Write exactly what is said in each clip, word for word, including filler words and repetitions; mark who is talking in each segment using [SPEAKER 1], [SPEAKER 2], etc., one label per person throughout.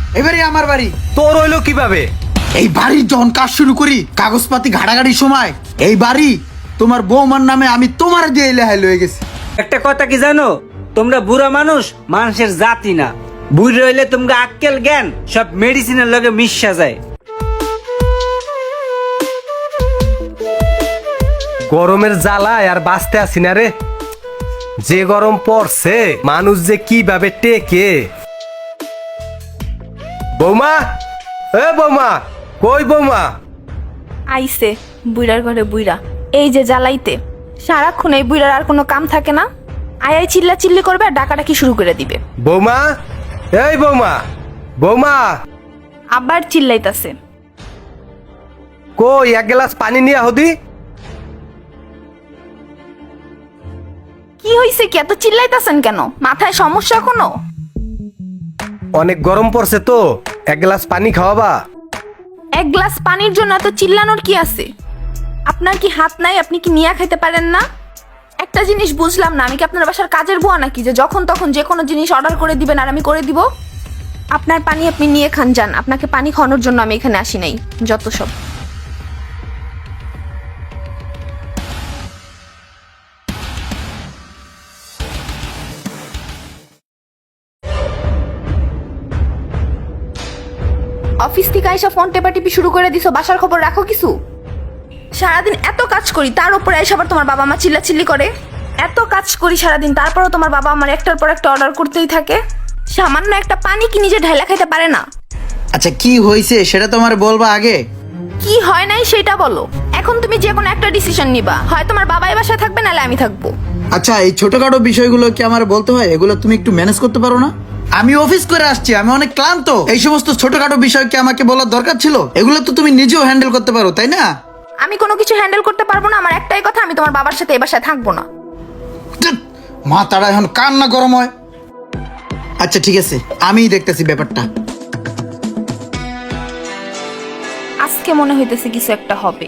[SPEAKER 1] এবারে আমার বাড়ি।
[SPEAKER 2] তোর হইলো কিভাবে?
[SPEAKER 1] এই বাড়ির যখন কাজ শুরু করি কাগজপাতি ঘাটাঘাটির সময় এই বাড়ি তোমার বৌমার নামে আমি তোমার দিয়ে লেহাই লয়ে গেছি।
[SPEAKER 3] একটা কথা কি জানো, তোমরা বুড়া মানুষ মানুষের জাতি না। বুড়ি রইলে তোমরা আক্কেল জ্ঞান সব মেডিসিনের লগে মিশা যায়।
[SPEAKER 2] গরমের জ্বালায় আর বাঁচতে আসি না রে। যে গরম পড়ছে মানুষ যে কিভাবে টেকে। বৌমা, এ বৌমা, কই বৌমা?
[SPEAKER 4] আইসে বুইড়ার ঘরে বুইড়া, এই যে জ্বালাইতে সারাক্ষণ এই বুইড়ার আর কোনো কাম থাকে না। আয় আয় চিল্লা চিল্লি করবে আর ডাকাডাকি শুরু করে দিবে।
[SPEAKER 2] বৌমা, এই বৌমা, বৌমা
[SPEAKER 4] আবার চিল্লাইতাছে।
[SPEAKER 2] কই এক গ্লাস পানি নিয়ে হদি।
[SPEAKER 4] কি হইছে, কি এত চিল্লাইতাছেন কেন? মাথায় সমস্যা কোনো?
[SPEAKER 2] অনেক গরম পড়ছে তো, এক গ্লাস পানি খাওয়াবা?
[SPEAKER 4] এক গ্লাস পানির জন্য এত চিল্লানোর কি আছে? আপনার কি হাত নাই? আপনি কি নিয়ে খাইতে পারেন না? একটা জিনিস বুঝলাম না, আমি কি আপনার বাসার কাজের বুয়া নাকি যে যখন তখন যে কোনো জিনিস অর্ডার করে দিবেন আর আমি করে দিব? আপনার পানি আপনি নিয়ে খান যান, আপনাকে পানি খাওয়ানোর জন্য আমি এখানে আসি নাই। যত সব। অফিস থেকে আইসা ফোন টেপাটিপি শুরু করে দিছো, বাসার খবর রাখো কিছু? সারাদিন এত কাজ করি তার উপরে এসে আবার তোমার বাবা মা চিল্লাচিল্লি করে। এত কাজ করি সারাদিন তারপরও তোমার বাবা আমার একটার পর একটা অর্ডার করতেই থাকে। সামান্য একটা পানি কি নিজে ঢাইলা খাইতে পারে না?
[SPEAKER 1] আচ্ছা কি হয়েছে সেটা তোমার বলবা আগে।
[SPEAKER 4] কি হয় নাই সেটা বলো। এখন তুমি যে কোনো একটা ডিসিশন নিবা, হয় তোমার বাবাই বাসায় থাকবে নাহলে আমি থাকবো।
[SPEAKER 1] আচ্ছা এই ছোটখাটো বিষয়গুলো কি আমার বলতে হয়? এগুলো তুমি একটু ম্যানেজ করতে পারো না? আমি অফিস করে আসছি, আমি অনেক ক্লান্ত। এই সমস্ত ছোটখাটো বিষয় কি আমাকে বলার দরকার ছিল? এগুলো তো তুমি নিজেও হ্যান্ডেল করতে পারো, তাই না?
[SPEAKER 4] আমি কোনো কিছু হ্যান্ডেল করতে পারবো না, আমার একটাই কথা, আমি তোমার বাবার সাথে এই বাসায় থাকবো না।
[SPEAKER 1] মাথাটা এখন কান্না গরম হয়। আচ্ছা ঠিক আছে, আমিই দেখতেছি ব্যাপারটা।
[SPEAKER 4] আজকে মনে হইতেছে কিছু একটা হবে।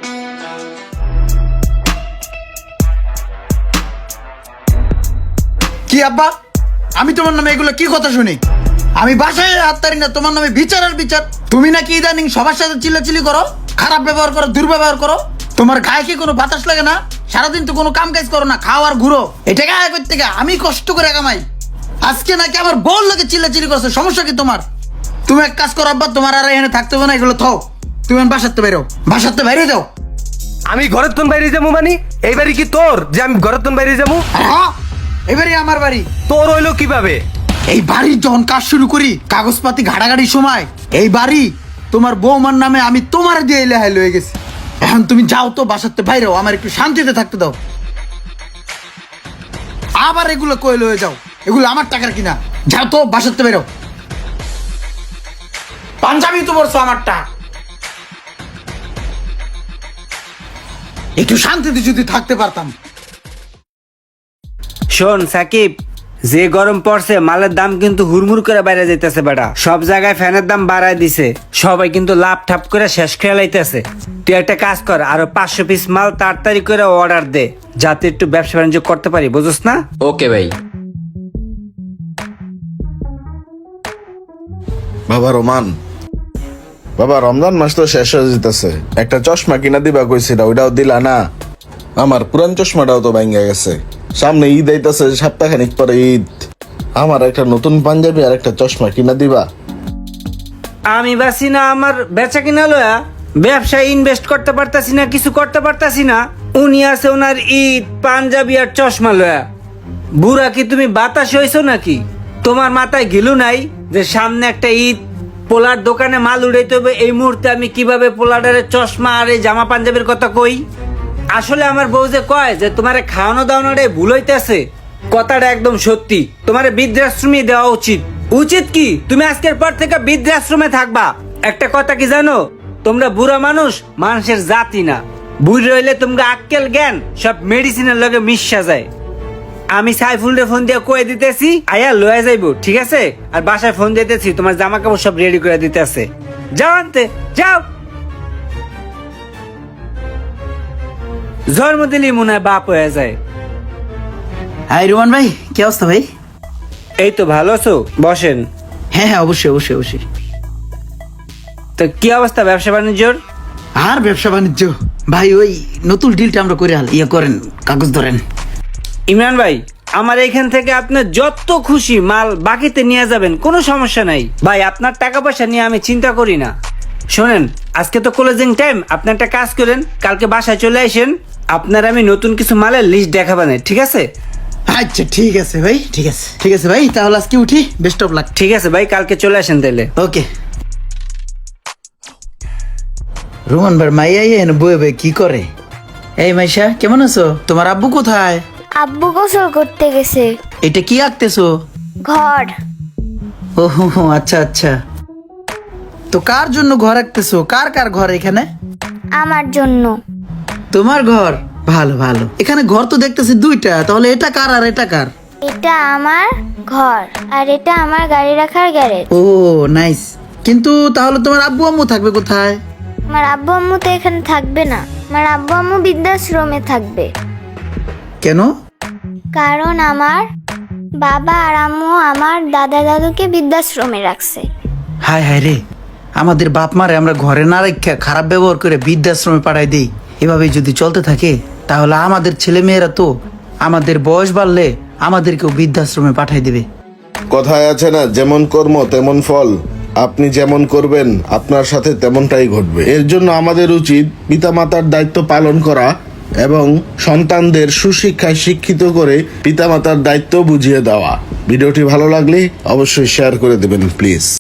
[SPEAKER 1] কি আব্বা, আমি তোমার নামে এগুলো কি কথা শুনি? আমি বাসায় হাত তারি না, তোমার নামে বিচার আর বিচার। তুমি নাকি ইদানিং সবার সাথে চিল্লাচিল্লি করো, খারাপ ব্যবহার করো, দুর্ব্যবহার করো। তোমার গায়ে কি কোনো বাতাস লাগে না? সারাদিন তো কোনো কাম কাজ করো না, খাও আর ঘুরো। এটা গায়ে করতে গা আমি কষ্ট করে কামাই, আজকে নাকি আমার বল লোকে চিল্লাচিল্লি করছে। সমস্যা কি তোমার? তুমি এক কাজ করো আব্বা, তোমার আর এখানে থাকতে হবে না, এগুলো থাও। তুমি বাসাতে বেরো, বাসাতে বাইরে যাও।
[SPEAKER 2] আমি ঘরের তন বাইরে যাবো মানে? এই বাড়ি কি তোর যে আমি ঘরের তন বাইরে যাবো?
[SPEAKER 1] হ্যাঁ এবারে আমার বাড়ি।
[SPEAKER 2] তোর হইলো কিভাবে?
[SPEAKER 1] এই বাড়ির যখন কাজ শুরু করি কাগজপাতি ঘাটাঘাটির সময় এই বাড়ি তোমার বৌমার নামে আমি তোমার দিয়ে লেহাই লয়ে গেছি। এখন তুমি যাও তো, বাসাতে বাইরেও, আমার একটু শান্তিতে থাকতে দাও। আবার এগুলো কয়ে লয়ে যাও, এগুলো আমার টাকার কিনা। যাও তো, বাসাতে বেরো। পাঞ্জাবি তো বলছো আমারটা। একটু শান্তিতে যদি থাকতে পারতাম।
[SPEAKER 3] শোন সাকিব, যে গরম পড়ছে মালের দাম কিন্তু হুড়মুড় করে বাইরে যাইতেছে বেটা। সব জায়গায় ফ্যানের দাম বাড়ায় দিছে, সবাই কিন্তু লাভ ঠাপ করে শেষ খেয়ে লাইতেছে। তুই একটা কাজ কর, আরো পাঁচশো পিস মাল তাড়াতাড়ি করে অর্ডার দে, যাতে একটু ব্যবসা বাণিজ্য করতে পারি, বুঝছ না?
[SPEAKER 5] ওকে ভাই।
[SPEAKER 6] বাবা রোমান, বাবা রমজান মাস তো শেষ হয়ে যেতেছে, একটা চশমা কিনা দিবা কইছিল, ওইটাও দিলা না। আমার পুরান চশমাটাও তো ভাঙ্গা গেছে, সামনে ঈদ আইতাছে, সপ্তাহখানিক পরে ঈদ। আমার একটা নতুন পাঞ্জাবি আর একটা চশমা কিনা দিবা?
[SPEAKER 3] আমি বাসি না আমার বেচা কিনা লয়া, ব্যবসায় ইনভেস্ট করতে পারতাছি না, কিছু করতে পারতাছি না। উনি আছে ওনার ঈদ, পাঞ্জাবি আর চশমা লয়া। বুড়া কি তুমি বাতাস হইছো নাকি? তোমার মাথায় গিলু নাই যে সামনে একটা ঈদ, পোলার দোকানে মাল উড়াইতে হবে। এই মুহূর্তে আমি কিভাবে পোলাডারের চশমা আর এই জামা পাঞ্জাবির কথা কই? আসলে আমার বউ যে কয় যে তোমারে খাওয়ানো দাওয়ানোটাই ভুল হইতেছে, কথাটা একদম সত্যি। তোমার বৃদ্ধাশ্রমে দেওয়া উচিত। উচিত কি? তুমি আজকের পর থেকে বৃদ্ধাশ্রমে থাকবা। একটা কথা কি জানো, তোমরা বুড়া মানুষ মানুষের জাতি না। বুড়ি রইলে তোমরা আক্কেল জ্ঞান সব মেডিসিনের লগে মিশা যায়। আমি সাইফুলরে ফোন দিয়ে কয়ে দিতেছি আয়া লয়ে যাইবো, ঠিক আছে? আর বাসায় ফোন দিতেছি, তোমার জামা কাপড় সব রেডি করে দিতেছে। যাও আনতে যাও। জন্ম দিলি মনে হয় বাপ হয়ে যায়।
[SPEAKER 1] হাই রোমান ভাই, কি অবস্থা ভাই?
[SPEAKER 3] এই তো ভালো আছো? বসেন।
[SPEAKER 1] হ্যাঁ হ্যাঁ অবশ্যই অবশ্যই অবশ্যই।
[SPEAKER 3] তো কি অবস্থা ব্যবসা বাণিজ্যর?
[SPEAKER 1] আর ব্যবসা বাণিজ্য ভাই ওই নতুন ডিলটা আমরা করে হাল ইয়ে করেন, কাগজ ধরেন।
[SPEAKER 3] ইমরান ভাই, আমার এখান থেকে আপনার যত খুশি মাল বাকিতে নিয়ে যাবেন, কোনো সমস্যা নাই ভাই। আপনার টাকা পয়সা নিয়ে আমি চিন্তা করি না। শোনেন, আজকে তো ক্লোজিং টাইম, আপনি একটা কাজ করেন, কালকে বাসায় চলে আসেন, আপনার আমি নতুন কিছু মালের লিস্ট দেখাবানে, ঠিক আছে?
[SPEAKER 1] আচ্ছা ঠিক আছে ভাই, ঠিক আছে ঠিক আছে ভাই, তাহলে আজকে উঠি, বেস্ট অফ লাক।
[SPEAKER 3] ঠিক আছে ভাই, কালকে চলে আসেন তাহলে।
[SPEAKER 1] ওকে। রোমান ভাই মাইয়া এনে বয়ে বয়ে কি করে? এই মাইশা কেমন আছো? তোমার আব্বু কোথায়?
[SPEAKER 5] আব্বু গোসল করতে গেছে।
[SPEAKER 1] এটা কি আঁকতেছো?
[SPEAKER 5] ঘর।
[SPEAKER 1] ও হো হো, আচ্ছা আচ্ছা। তো কার জন্য ঘর আঁকতেছো? কার কার ঘর এখানে?
[SPEAKER 5] আমার জন্য।
[SPEAKER 1] তোমার ঘর? ভালো ভালো। এখানে ঘর তো দেখতেছি দুইটা, তাহলে এটা কার আর এটা কার?
[SPEAKER 5] এটা আমার ঘর আর এটা আমার গাড়ি রাখার গ্যারেজ।
[SPEAKER 1] ও নাইস। কিন্তু তাহলে তোমার আব্বু আম্মু থাকবে কোথায়?
[SPEAKER 5] আমার আব্বু আম্মু তো এখানে থাকবে না, আমার আব্বু আম্মু বৃদ্ধাশ্রমে থাকবে।
[SPEAKER 1] কেন?
[SPEAKER 5] কারণ আমার বাবা আর আম্মু আমার দাদা দাদুকে বৃদ্ধাশ্রমে রাখছে।
[SPEAKER 1] হায় হায় রে, আমাদের বাপ মারে আমরা ঘরে না রেখে খারাপ ব্যবহার করে বৃদ্ধাশ্রমে পাঠাই দিই। এভাবে যদি চলতে থাকে তাহলে আমাদের ছেলে মেয়েরা তো আমাদের বয়স বাড়লে আমাদেরকেও বৃদ্ধাশ্রমে পাঠাই দেবে।
[SPEAKER 6] কথায় আছে না, যেমন কর্ম তেমন ফল। আপনি যেমন করবেন আপনার সাথে তেমনটাই ঘটবে। এর জন্য আমাদের উচিত পিতামাতার দায়িত্ব পালন করা এবং সন্তানদের সুশিক্ষায় শিক্ষিত করে পিতামাতার দায়িত্ব বুঝিয়ে দেওয়া। ভিডিওটি ভালো লাগলে অবশ্যই শেয়ার করে দেবেন প্লিজ।